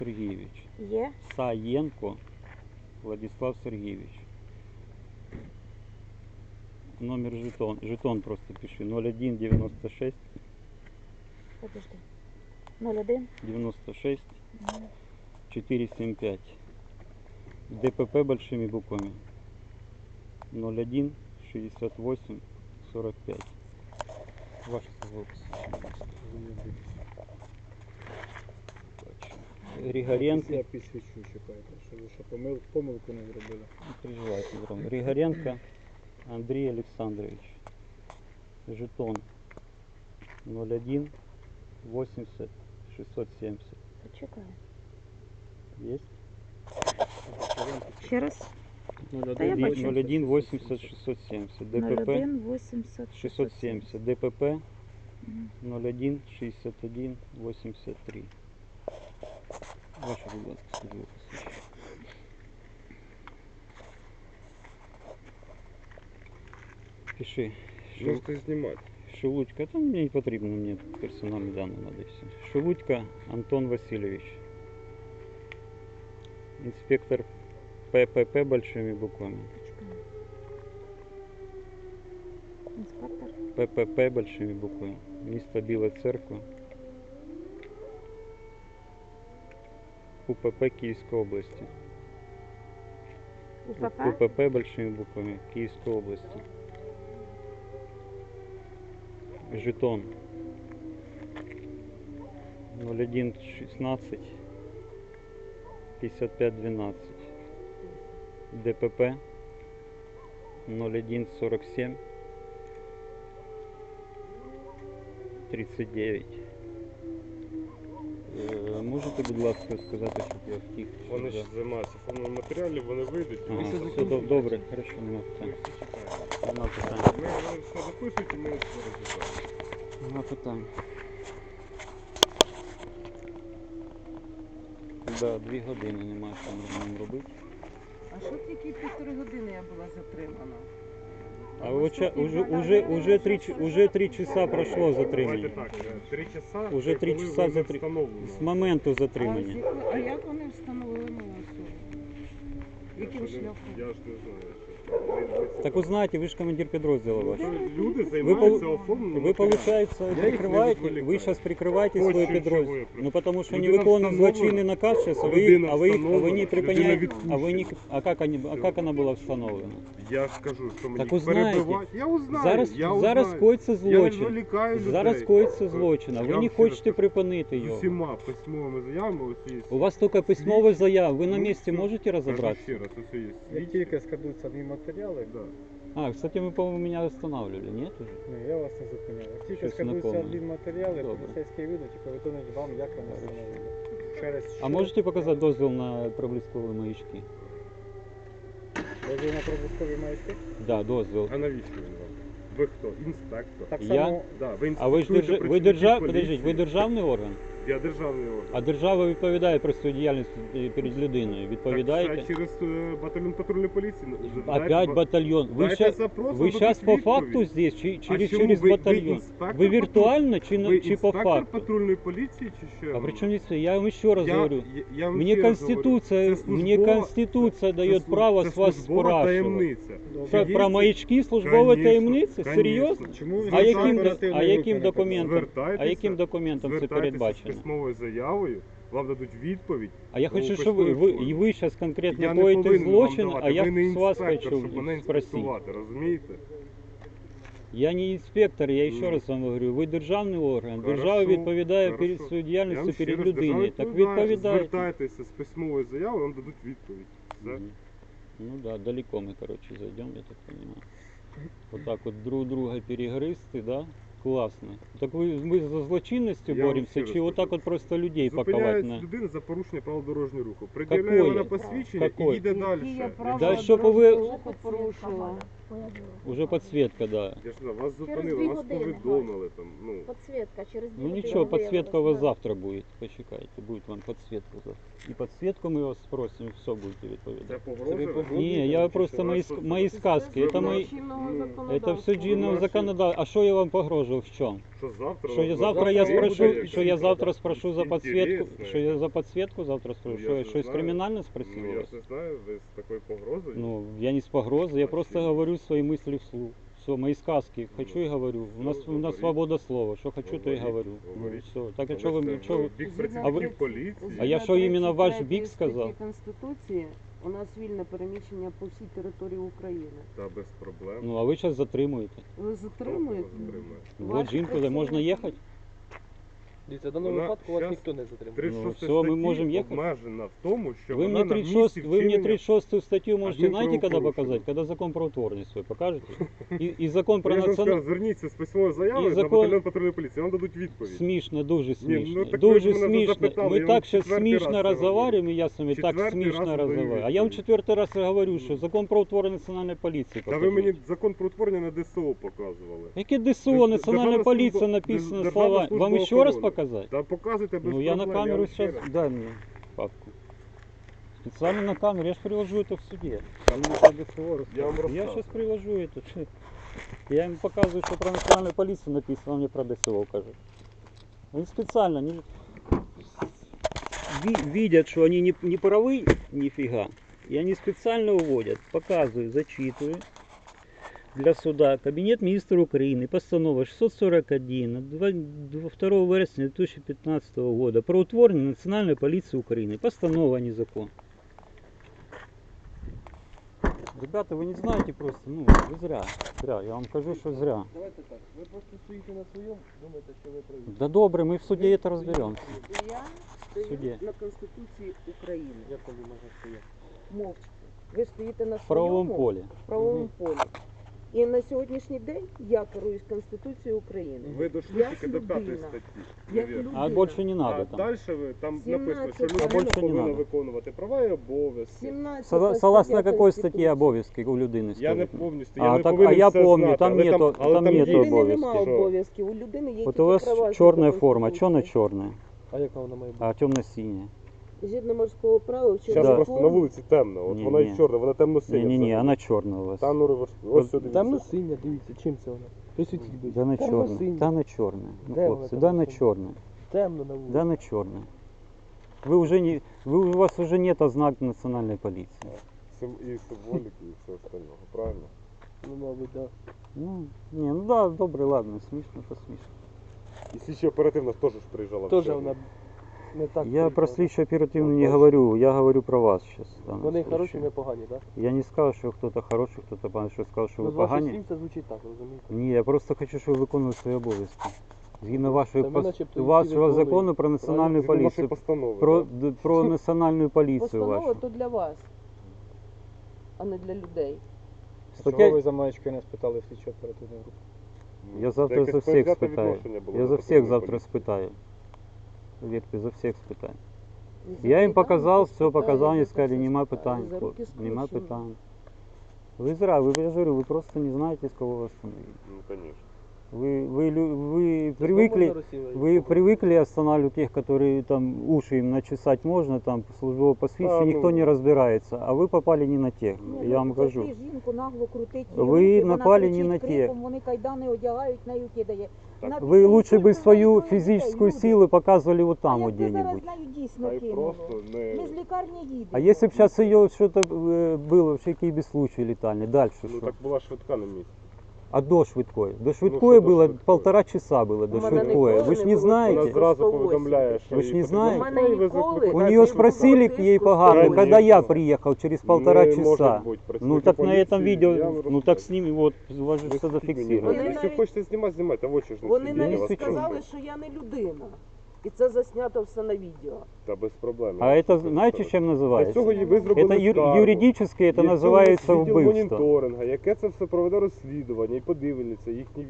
Сергійович. Є? Саєнко Владислав Сергійович. Номер жетон просто пиши. 01 96 Подожди. 01? 96 475. ДПП большими буквами. 01 68 45. Ваш звукс. Григоренко. Я підсвічу, чекайте, щоб ви ще помилку не зробили. Не переживайте, Дрон. Григоренко Андрей Александрович. Жетон 01 80 670. Почекай. Есть? Ще раз. Та я бачу. 01 80 670. ДПП 01 80 670. ДПП 01 61 83. Ваше, будь ласка, службове посвідчення. Пиши. Можете знімати. Шелудько, там мені не потрібно, мені персональні дані треба і все. Шелудько Антон Васильович. Инспектор ППП большими буквами. Інспектор. ППП большими буквами. Місто Біла Церква. УПП Київської області. УПП? УПП большими буквами Київської області. Жетон 01 16 55 12. ДПП 01 47 39. Можете, будь ласка, сказати, щоб я втік? Вони ж займаються формою матеріалів, вони вийдуть. і Ага, ми все добре, хорошо, нема питань. всі чекаємо. Нема питань. Ви все записуєте, ми все розглядаємо. Нема питань. Да, 2 години немає що нормально робити. А що тільки 1,5 години я була затримана? А уже 3 часа пройшло Давайте затримання. так, 3 часа, Уже 3 коли часа ви встановлено. з моменту А, затримання. а як вони встановили мою особу? Яким шляхом? Я ж не знаю. Так ви знаєте, ви ж командир підрозділу ваш. Люди займаються оформленням. Вы, получается, Я их не прикрываете, отвлекаю. вы сейчас прикрываете Очень свой чего я підрозділ. прикрываю. Ну потому что они Людина выполнили встановлена. злочинный наказ сейчас, а Людина вы не встановлена. припиняете, Людина а вы не, а как она была встановлена? Я ж кажу, що мені Так узнаєте. перебивають. Я узнаю, Зараз, я зараз узнаю. коїться Я злочин. відволікаю людей. Зараз коїться злочин, а Я ви вам не ще хочете раз припинити З його. усіма письмовими заявами ось є. У вас только письмовая заява, вы на Ну, месте все. можете Кажу разобраться? ще раз, ось є. Як тільки складуться адмінматеріали, Да. А, кстати, вы, по-моему, меня останавливали, нет уже? ні, я вас не зупиняю. Як тільки Щось складуться знакоме. адмінматеріали, Добре. поліцейські вийдуть і повідомлять вам, як вони встановили. Через А що? можете показать дозвіл на проблискові маячки? Дозвіл на проблискові маячки? Да, дозвіл. А навіщо він вам? Ви хто? Інспектор? Так Я? само, Да, ви А ви ж інспектуєте ви працівників подождіть, ви поліції. державний орган? Я державний орган. А держава відповідає про свою діяльність перед людиною. Так, Відповідаєте? це через батальйон патрульної поліції. Опять батальйон. Вы Дайте сейчас, запрос, вы вам сейчас дадуть по відповідь. факту здесь, через чому ви батальон? інспектор Вы виртуально чи, Ви чи по інспектор факту? патрульної поліції чи що? А при чем здесь? Я вам еще раз говорю. я вам Мне ще раз говорю, Конституция, це мне службова- Конституция це дает службова- право це с вас службова спрашивать. таємниця. Про маячки службовой Конечно, таємниці? конечно. Серйозно? чому ви А знаєте яким, оперативної а групи яким не документом? Звертайтеся, А яким документом це звертайтеся передбачено? з письмовою заявою, вам дадуть відповідь. А я Ну, хочу, щоб ви письмовою ви зараз конкретно Я не коїте повинен злочин, вам давати. а я Ви не з вас інспектор, хочу щоб мене спросити. інспектувати, розумієте? Я не інспектор, я ще Ну. раз вам говорю, ви державний орган. Хорошо, Держава відповідає хорошо. перед своєю Я діяльністю вам ще перед раз держава людиною. Так відповідає. відповідайте. Звертайтеся з письмовою заявою, вам дадуть відповідь. Все. Мгм. Ну да, далеко мы, короче, зайдем, я так понимаю. Вот так вот друг друга перегрызты, да? Классно. Так мы за злочинностью Я вам боремся, ще раз чи вот так кажу. вот просто людей паковать Зупиняють на... людину за порушення правил дорожнього руху. Приділяє Какое? вона посвідчення Какое? і їде Які далі. я Да правила щоб ви- дорожнього руху порушила? Уже подсветка, да. Я ж знаю, вас Через зупинили, 2 вас години, повідомили там. Ну, Подсветка через 2 Ну години ничего, подсветка у вас виявилось, да. завтра будет. Почекайте, будет вам подсветка завтра. И подсветку мы вас спросим, и все будете це відповідати. погроза. Не, я просто мои сказки. Это мои... Это все чинного законодательства. А что я вам погрожував? В чем? Що завтра? Что я вам завтра я буде спрошу, якесь что я завтра спрошу за подсветку, інтересне. что я за подсветку завтра Ну, спрошу, я что ж из знаю. криминально спросил Ну, у я вас? ж не знаю, ви з такою погрозою. Ну, я не с погрозой, я А просто чем? говорю свои мысли вслух. Все, мои сказки, хочу и говорю. У нас говорите. свобода слова, что хочу, то и Говорите, говорю. Ну, говорите. все. Так а Але что це вы, что вы... бік А працівників ви- поліції. А я що, іменно ваш бік сказав? Конституції у нас вільне переміщення по всій території України. Та без проблем. Ну, а ви зараз затримуєте. Ви затримуєте? Вот Ваш жінку, де працівник- можна їхати? Дивіться, в даному Вона випадку вас щас ніхто не затримує. 36 все, ми статті можемо їхати. обмежена в тому, що Вы вона мне на 36, місці вы мне вчинення 36 статью можете, Один знаете, когда правопорушення. показать? Когда закон про утворенность свой покажете. И закон про Я ж вам сказав, національну... зверніться з письмовою заявою І на закон- батальйон патрульної поліції, вам дадуть відповідь. Смішно, дуже смішно. так ви ж Дуже мене смішно. запитали, Ми я вам так сейчас четвертий раз смішно це разговариваем, и я с вами так Четвертий смішно раз даю разговариваю. А я вам відповідь. четвертый раз говорю, що закон про утворення національної поліції Та ви покажіть. мені закон про утворення на ДСО показували. Яке ДСО, Державна національна служба- поліція написано Державна слова. служба Вам ще раз охорони. показати? Та показуйте без Ну я на проблем, камеру вам ще сейчас, раз. дай мне папку. Специально на камеру, я же привожу это в суде. Там не по ДСО Я вам рассказываю. Я розказую. сейчас привожу это. Я им показываю, что про национальную полицию написано, он мне про ДСО кажет. Они специально видят, что они не правы нифига, и они специально уводят. Показываю, зачитываю. Для суда Кабінет міністрів України, постанова 641 от 2 вересня 2015 года про утворення Національної поліції України. Постанова, а не закон. Ребята, вы не знаете просто, ну, вы зря. Зря, я вам кажу, що зря. Давайте так, ви просто стоїте на своєму, думаєте, що ви праві. Да добре, ми в суді це розберемося. Я Суді. стою на Конституції України. Як там ви можете стояти? Мовчки. Ви стоїте на В правовому своєму полі. правовому полі. І на сьогоднішній день я керуюсь Конституцією України. Ви дійшли Як тільки до 5 людина. статті. Як Невірно. людина. А більше не А надо там. далі ви там написано, що 17 людина більше не повинна надо. виконувати права і обов'язки. 17 Согласно стаття какой статті Конституції. обов'язки у людини Я не стоїть? повністю, А, я не так, повинен а я все помню, знати, там але нету- але там є нету У людини обов'язки. немає що- обов'язків, у людини є Вот тільки у вас права. черная згідно форма, что на Конституції. черная? А яка вона має бути? А темно-синяя? Згідно морського права, в Зараз чорній просто на формі. вулиці темно, от Ні, вона ні. і чорна, вона темно-синя. Не-не-не, взагалі. она черная у вас. Та ну ось сюди. Темно синя, дивіться, чим це вона? Присвітіть, будь Да на ласка. черная. Темно-синя. Да на черная. Ну, Де вона хлопцы, да на темно-синя? черная. Темно на вулиці. Да на черная. Вы уже не, у вас уже нет ознака национальной полиции. І символіки, і все остального, правильно? Ну, мабуть, так. Ну, не, ну да, добре, ладно, смешно, посмешно. І слідча оперативна теж ж приїжджала. в Теж Чернігів. вона не так. Я приїхала. про слідчо оперативно Ну, не точно. говорю, я говорю про вас сейчас. Вони хороші, ми погані, так? Я не сказал, что кто-то хороший, кто-то поганый, что сказал, что Ну, вы з ваших погані. слів це звучить так, розумієте? Ні, я просто хочу, щоб ви виконували свої обов'язки. Згідно вашої Та ми начебто їх вашого виконуємо. закону про національну Згідно вашої поліцію. постанови. Про, да? про національну поліцію Постанова вашу. то для вас, а не для людей. Стаття- Чого ви за маєчки не спитали в слідчо оперативну групу? Я завтра Якесь за всіх предвзяте спитаю. відношення було Я до за всіх патрульної завтра поліції. спитаю. Вірте, за всіх спитаю. І Я їм за показав, питання все показав, вони спитаю, сказали, за нема все питань, спитаю, за руки хлопці, нема скручені. питань. Ви зря, ви, я ж говорю, ви просто не знаєте, з кого вас остановить. Ну, конечно. Вы привыкли, вы привыкли останавливать тех, которые там уши им начесать можно, там службовое посвящение, А, ну. никто не разбирается, а вы попали не на тех, Ні, я вам ну, кажу. зайти жінку нагло крутить. Ви її руки, вона напали не кричить на криком, тих. Вони кайдани одягають, нею кидає. Вона Вы після лучше бы інсульту свою має троє физическую дітей, силу показывали вот А там вот якби зараз где-нибудь. нею дійсно А й кинуло. просто Ми не... з лікарні їдемо. А если бы сейчас ее что-то было, вообще какие-то случаи летальные, дальше Ну что? так була швидка на місці. А до швидкої? До швидкої що до было швидкої? 1,5 часа было, до У мене швидкої. ніколи Вы ж не не було Вона знаете? такого. зразу 108. повідомляє, що Ви ж їй не потрібно знаєте? швидкої, ви ніколи викликаєте У нее швидку. спросили к ей погано, Конечно. когда я приехал через 1,5 Не часа. може бути. Ну Працівники так на этом поліції, видео, я вам ну розкажу. так с ними вот, у вас же Ви все скільки зафиксировано. Вони Якщо навіть- хочете знімати, знімайте, в очі ж не Вони сидіть, я навіть вас сказали, прошу. що я не людина. І це заснято все на відео. Та без проблем. А это знаете, чем Для называется? цього ви зробили Это скаргу. юридически это Для цього называется є відділ убийство. моніторинга, яке це все проведе розслідування і подивиться їхні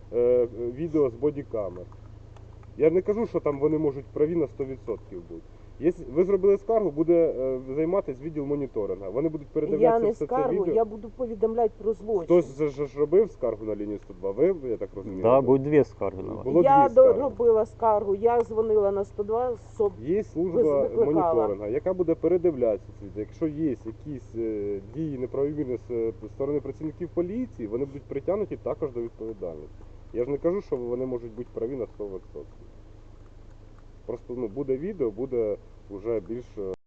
відео з бодікамер. Я не кажу, що там вони можуть праві на 100% бути. Ви зробили скаргу, буде займатися відділ моніторинга. Вони будуть Я передивлятися не все це скаргу, відео. я буду повідомляти про злочин. Хтось же ж робив скаргу на лінію 102, ви, я так розумію? Да, будет две скарги на вас. Було Я дві скарги. робила скаргу, я дзвонила на 102, Є служба викликала. моніторинга, яка буде передивлятися це відео. Якщо є якісь дії неправомірні з сторони працівників поліції, вони будуть притягнуті також до відповідальності. Я ж не кажу, що вони можуть бути праві на 100%. Просто буде відео, буде вже більш